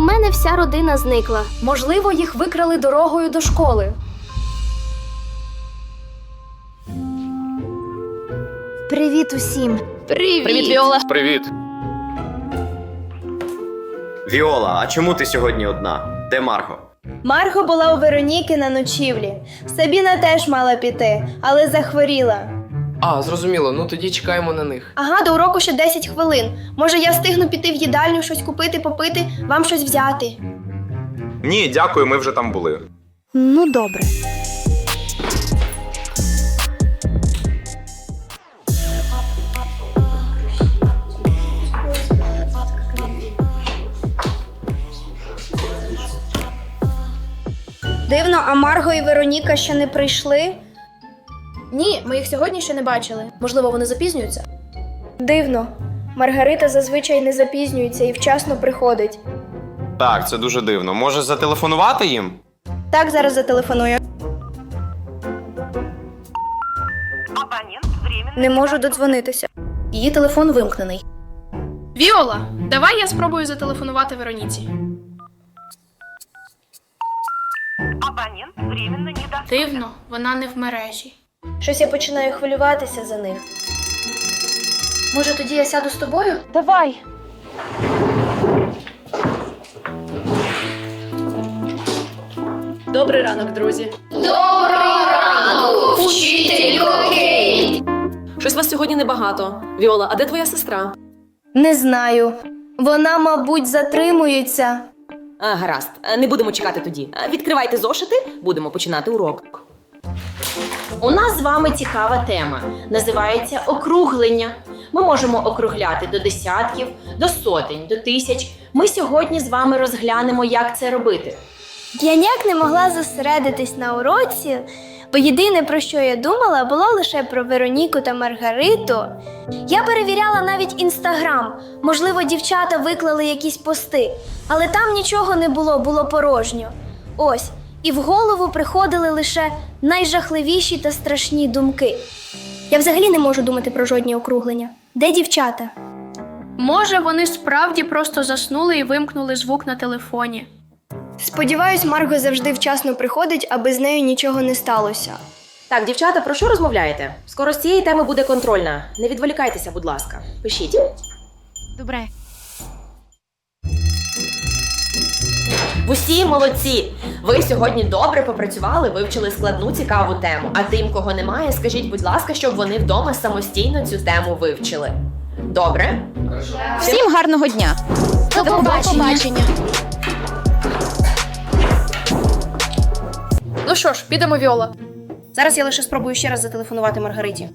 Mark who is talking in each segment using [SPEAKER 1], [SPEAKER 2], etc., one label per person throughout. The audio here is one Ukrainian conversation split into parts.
[SPEAKER 1] мене вся родина зникла.
[SPEAKER 2] Можливо, їх викрали дорогою до школи.
[SPEAKER 1] Привіт усім.
[SPEAKER 2] Привіт, Віола.
[SPEAKER 3] Привіт.
[SPEAKER 4] Віола, а чому ти сьогодні одна? Де Марго?
[SPEAKER 5] Марго була у Вероніки на ночівлі. Сабіна теж мала піти, але захворіла.
[SPEAKER 6] А, зрозуміло, ну тоді чекаємо на них.
[SPEAKER 5] Ага, до уроку ще 10 хвилин. Може, я встигну піти в їдальню, щось купити, попити, вам щось взяти.
[SPEAKER 3] Ні, дякую, ми вже там були.
[SPEAKER 1] Ну, добре.
[SPEAKER 5] Дивно, а Марго і Вероніка ще не прийшли?
[SPEAKER 2] Ні, ми їх сьогодні ще не бачили. Можливо, вони запізнюються?
[SPEAKER 5] Дивно. Маргарита зазвичай не запізнюється і вчасно приходить.
[SPEAKER 4] Так, це дуже дивно. Може, зателефонувати їм?
[SPEAKER 5] Так, зараз зателефоную. Не можу додзвонитися.
[SPEAKER 2] Її телефон вимкнений. Віола, давай я спробую зателефонувати Вероніці. Дивно, вона не в мережі.
[SPEAKER 5] Щось я починаю хвилюватися за них.
[SPEAKER 2] Може, тоді я сяду з тобою?
[SPEAKER 5] Давай.
[SPEAKER 2] Добрий ранок, друзі.
[SPEAKER 7] Щось вас сьогодні небагато. Віола, а де твоя сестра?
[SPEAKER 5] Не знаю. Вона, мабуть, затримується.
[SPEAKER 7] Гаразд, не будемо чекати тоді. Відкривайте зошити, будемо починати урок. У нас з вами цікава тема. Називається округлення. Ми можемо округляти до десятків, до сотень, до тисяч. Ми сьогодні з вами розглянемо, як це робити.
[SPEAKER 5] Я ніяк не могла зосередитись на уроці, бо єдине, про що я думала, було лише про Вероніку та Маргариту. Я перевіряла навіть Інстаграм. Можливо, дівчата виклали якісь пости. Але там нічого не було, було порожньо. Ось, і в голову приходили лише найжахливіші та страшні думки. Я взагалі не можу думати про жодні округлення. Де дівчата?
[SPEAKER 2] Може, вони справді просто заснули і вимкнули звук на телефоні.
[SPEAKER 5] Сподіваюсь, Марго завжди вчасно приходить, аби з нею нічого не сталося.
[SPEAKER 7] Так, дівчата, про що розмовляєте? Скоро з цієї теми буде контрольна. Не відволікайтеся, будь ласка. Пишіть.
[SPEAKER 1] Добре.
[SPEAKER 7] Усі молодці! Ви сьогодні добре попрацювали, вивчили складну цікаву тему. А тим, кого немає, скажіть, будь ласка, щоб вони вдома самостійно цю тему вивчили. Добре?
[SPEAKER 8] Всім гарного дня!
[SPEAKER 1] До побачення.
[SPEAKER 2] Ну що ж, підемо, Віола. Зараз я лише спробую ще раз зателефонувати Маргариті.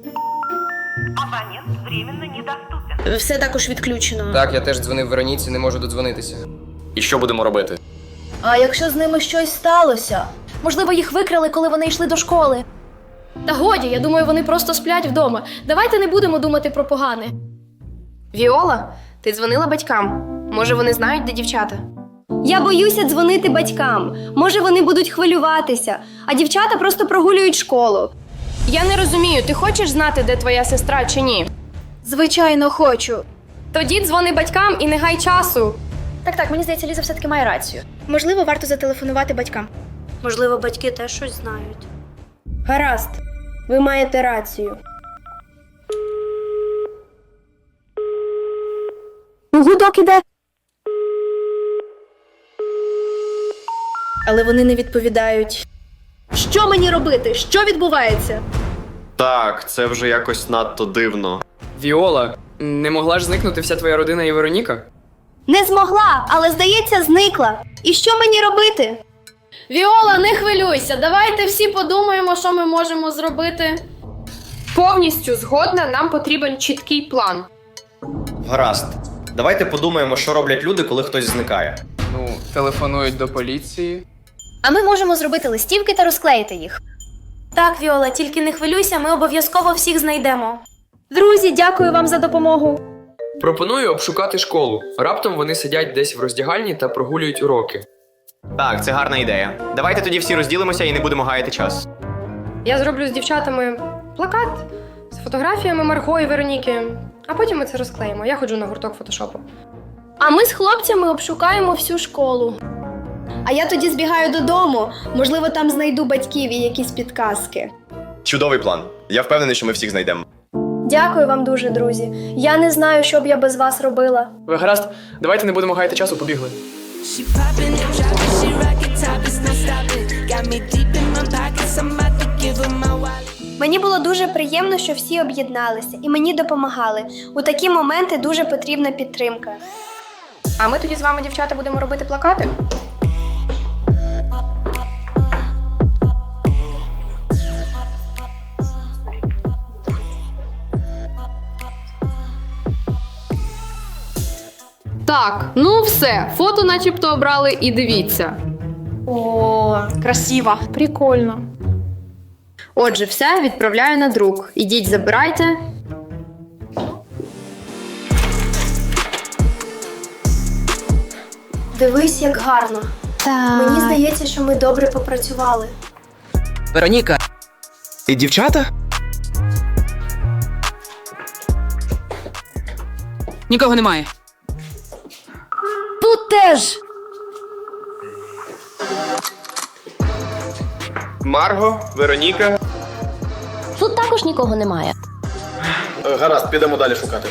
[SPEAKER 2] Все також відключено.
[SPEAKER 6] Так, я теж дзвонив Вероніці, не можу додзвонитися.
[SPEAKER 3] І що будемо робити?
[SPEAKER 5] А якщо з ними щось сталося?
[SPEAKER 2] Можливо, їх викрали, коли вони йшли до школи. Та годі, я думаю, вони просто сплять вдома. Давайте не будемо думати про погане. Віола, ти дзвонила батькам? Може, вони знають, де дівчата?
[SPEAKER 5] Я боюся дзвонити батькам. Може, вони будуть хвилюватися, а дівчата просто прогулюють школу.
[SPEAKER 2] Я не розумію, ти хочеш знати, де твоя сестра чи ні?
[SPEAKER 5] Звичайно, хочу.
[SPEAKER 2] Тоді дзвони батькам і не гай часу.
[SPEAKER 5] Так, мені здається, Ліза все-таки має рацію. Можливо, варто зателефонувати батькам. Можливо, батьки теж щось знають. Гаразд, ви маєте рацію. Гудок іде. Але вони не відповідають. Що мені робити? Що відбувається?
[SPEAKER 4] Так, це вже якось надто дивно.
[SPEAKER 6] Віола, не могла ж зникнути вся твоя родина і Вероніка?
[SPEAKER 5] Не змогла, але, здається, зникла. І що мені робити?
[SPEAKER 2] Віола, не хвилюйся, давайте всі подумаємо, що ми можемо зробити. Повністю згодна, нам потрібен чіткий план.
[SPEAKER 4] Гаразд. Давайте подумаємо, що роблять люди, коли хтось зникає.
[SPEAKER 6] Ну, телефонують до поліції.
[SPEAKER 5] А ми можемо зробити листівки та розклеїти їх. Так, Віола, тільки не хвилюйся, ми обов'язково всіх знайдемо. Друзі, дякую вам за допомогу.
[SPEAKER 6] Пропоную обшукати школу. Раптом вони сидять десь в роздягальні та прогулюють уроки.
[SPEAKER 4] Так, це гарна ідея. Давайте тоді всі розділимося і не будемо гаяти час.
[SPEAKER 2] Я зроблю з дівчатами плакат з фотографіями Марго і Вероніки, а потім ми це розклеїмо. Я ходжу на гурток фотошопу. А ми з хлопцями обшукаємо всю школу.
[SPEAKER 5] А я тоді збігаю додому. Можливо, там знайду батьків і якісь підказки.
[SPEAKER 4] Чудовий план. Я впевнений, що ми всіх знайдемо.
[SPEAKER 2] Дякую вам дуже, друзі. Я не знаю, що б я без вас робила.
[SPEAKER 6] Ви гаразд, давайте не будемо гаяти часу, побігли.
[SPEAKER 9] She poppin' and droppin', she rockin' top, it's no stopping. Got me deep in my pockets, I'm about to give her my wallet.
[SPEAKER 5] Мені було дуже приємно, що всі об'єдналися і мені допомагали. У такі моменти дуже потрібна підтримка.
[SPEAKER 2] А ми тоді з вами, дівчата, будемо робити плакати?
[SPEAKER 10] Так, ну все, фото начебто обрали і дивіться.
[SPEAKER 1] О, красиво.
[SPEAKER 10] Прикольно. Отже, все, відправляю на друк. Ідіть, забирайте.
[SPEAKER 2] Дивись, як гарно. Мені здається, що ми добре попрацювали.
[SPEAKER 11] Вероніка. І дівчата? Нікого немає.
[SPEAKER 1] Тут теж.
[SPEAKER 3] Марго, Вероніка.
[SPEAKER 7] Тут також нікого немає.
[SPEAKER 4] Гаразд, підемо далі шукати.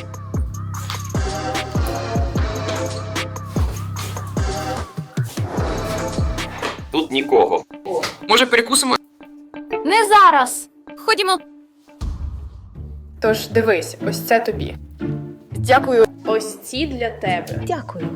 [SPEAKER 3] Тут нікого.
[SPEAKER 6] Може, перекусимо?
[SPEAKER 1] Не зараз.
[SPEAKER 8] Ходімо.
[SPEAKER 10] Тож дивись, ось це тобі. Дякую. Ось ці для тебе.
[SPEAKER 7] Дякую.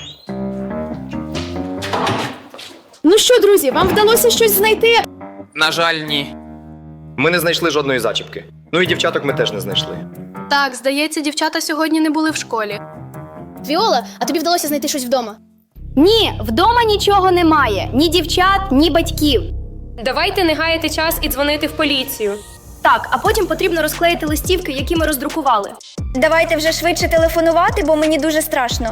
[SPEAKER 1] Ну що, друзі, вам вдалося щось знайти?
[SPEAKER 11] На жаль, ні.
[SPEAKER 4] Ми не знайшли жодної зачіпки. Ну і дівчаток ми теж не знайшли.
[SPEAKER 2] Так, здається, дівчата сьогодні не були в школі.
[SPEAKER 1] Віола, а тобі вдалося знайти щось вдома? Ні, вдома нічого немає. Ні дівчат, ні батьків.
[SPEAKER 2] Давайте не гаяти час і дзвонити в поліцію.
[SPEAKER 5] Так, а потім потрібно розклеїти листівки, які ми роздрукували. Давайте вже швидше телефонувати, бо мені дуже страшно.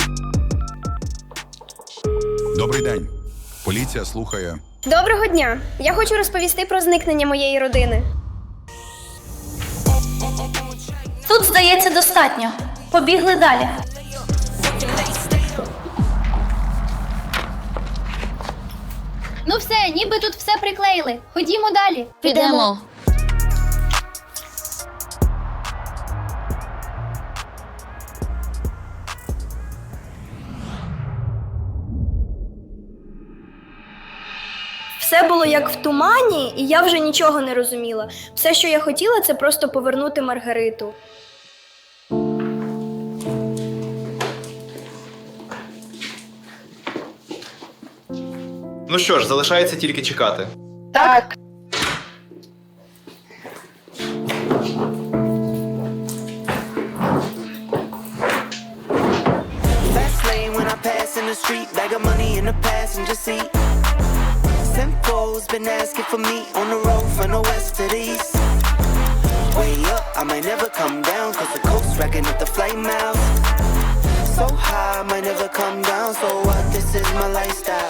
[SPEAKER 12] Добрий день. Поліція слухає.
[SPEAKER 5] Доброго дня! Я хочу розповісти про зникнення моєї родини.
[SPEAKER 1] Тут, здається, достатньо. Побігли далі. Ну все, ніби тут все приклеїли. Ходімо далі.
[SPEAKER 8] Підемо.
[SPEAKER 5] Все було як в тумані, і я вже нічого не розуміла. Все, що я хотіла, це просто повернути Маргариту.
[SPEAKER 4] Ну що ж, залишається тільки чекати.
[SPEAKER 10] Так.
[SPEAKER 9] Fast lane when I pass in the street, bag of money in the passenger seat. Simcoe's been asking for me on the road from the west to the east. Way up, I might never come down, cause the coast racking up the flight miles. So high, I might never come down, so what, this is my lifestyle.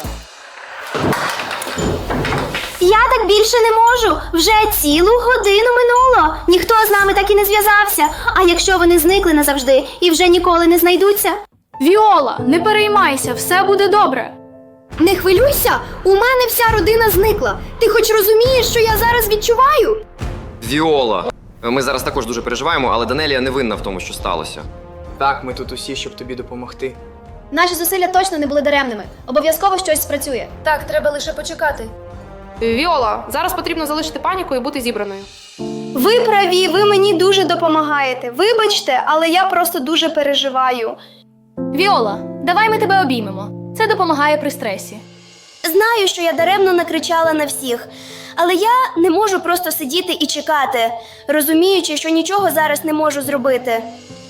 [SPEAKER 5] Я так більше не можу. Вже цілу годину минуло. Ніхто з нами так і не зв'язався. А якщо вони зникли назавжди і вже ніколи не знайдуться?
[SPEAKER 2] Віола, не переймайся, все буде добре.
[SPEAKER 5] Не хвилюйся, у мене вся родина зникла. Ти хоч розумієш, що я зараз відчуваю?
[SPEAKER 4] Віола. Ми зараз також дуже переживаємо, але Данелія не винна в тому, що сталося.
[SPEAKER 6] Так, ми тут усі, щоб тобі допомогти.
[SPEAKER 1] Наші зусилля точно не були даремними. Обов'язково щось спрацює.
[SPEAKER 2] Так, треба лише почекати.
[SPEAKER 10] Віола, зараз потрібно залишити паніку і бути зібраною.
[SPEAKER 5] Ви праві, ви мені дуже допомагаєте. Вибачте, але я просто дуже переживаю.
[SPEAKER 2] Віола, давай ми тебе обіймемо. Це допомагає при стресі.
[SPEAKER 5] Знаю, що я даремно накричала на всіх, але я не можу просто сидіти і чекати, розуміючи, що нічого зараз не можу зробити.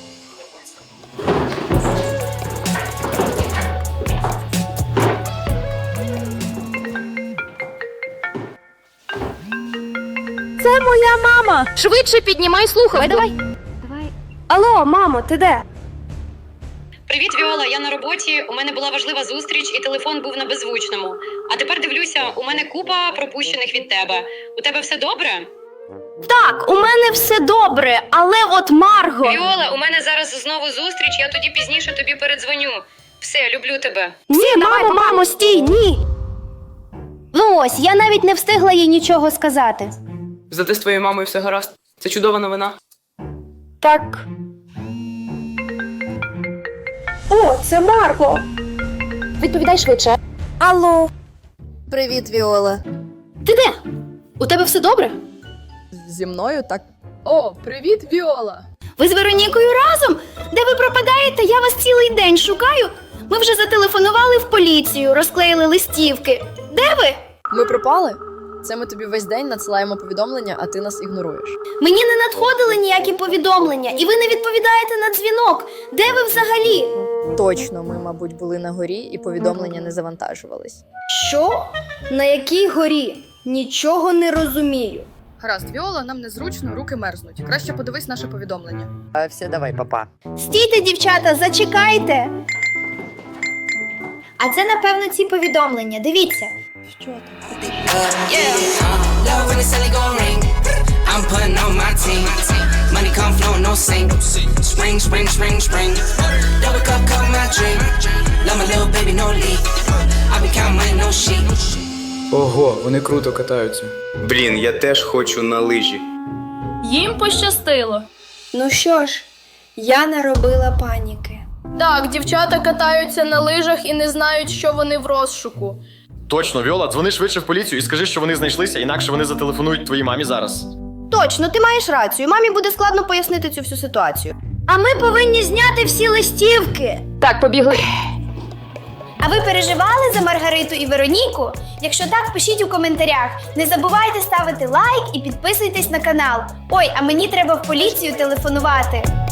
[SPEAKER 1] Це моя мама.
[SPEAKER 10] Швидше піднімай слухавку.
[SPEAKER 1] Давай.
[SPEAKER 5] Алло, мамо, ти де?
[SPEAKER 13] Привіт, Віола, я на роботі, у мене була важлива зустріч і телефон був на беззвучному. А тепер дивлюся, у мене купа пропущених від тебе. У тебе все добре?
[SPEAKER 1] Так, у мене все добре, але от Марго.
[SPEAKER 13] Віола, у мене зараз знову зустріч, я тоді пізніше тобі передзвоню. Все, люблю тебе.
[SPEAKER 1] Ні, мамо, стій, ні. Ну ось, я навіть не встигла їй нічого сказати.
[SPEAKER 6] Зате з твоєю мамою все гаразд. Це чудова новина.
[SPEAKER 1] Так.
[SPEAKER 2] О, це Марго! Відповідай швидше.
[SPEAKER 5] Алло.
[SPEAKER 10] Привіт, Віола.
[SPEAKER 1] Ти де? У тебе все добре?
[SPEAKER 10] Зі мною так.
[SPEAKER 2] О, привіт, Віола!
[SPEAKER 1] Ви з Веронікою разом? Де ви пропадаєте? Я вас цілий день шукаю. Ми вже зателефонували в поліцію, розклеїли листівки. Де ви?
[SPEAKER 10] Ми пропали? Це ми тобі весь день надсилаємо повідомлення, а ти нас ігноруєш.
[SPEAKER 1] Мені не надходили ніякі повідомлення, і ви не відповідаєте на дзвінок. Де ви взагалі?
[SPEAKER 10] Точно, ми, мабуть, були на горі і повідомлення не завантажувались.
[SPEAKER 1] Що? На якій горі? Нічого не розумію.
[SPEAKER 10] Гаразд, Віола, нам незручно, руки мерзнуть. Краще подивись наше повідомлення.
[SPEAKER 11] Все, давай, папа.
[SPEAKER 1] Стійте, дівчата, зачекайте.
[SPEAKER 5] А це, напевно, ці повідомлення. Дивіться.
[SPEAKER 9] Love when it's only gon' ring. I'm putting on my team. Money come flow, no sink. Spring, spring, spring, spring. Double cup, cup my drink. Love my little baby, no leak. I been counting money, no sheep.
[SPEAKER 6] Ого, вони круто катаються.
[SPEAKER 3] Блін, я теж хочу на лижі.
[SPEAKER 2] Їм пощастило.
[SPEAKER 5] Ну що ж, я наробила паніки.
[SPEAKER 2] Так, дівчата катаються на лижах і не знають, що вони в розшуку.
[SPEAKER 4] Точно, Віола, дзвони швидше в поліцію і скажи, що вони знайшлися, інакше вони зателефонують твоїй мамі зараз.
[SPEAKER 1] Точно, ти маєш рацію. Мамі буде складно пояснити цю всю ситуацію.
[SPEAKER 5] А ми повинні зняти всі листівки.
[SPEAKER 2] Так, побігли.
[SPEAKER 5] А ви переживали за Маргариту і Вероніку? Якщо так, пишіть у коментарях. Не забувайте ставити лайк і підписуйтесь на канал. Ой, а мені треба в поліцію телефонувати.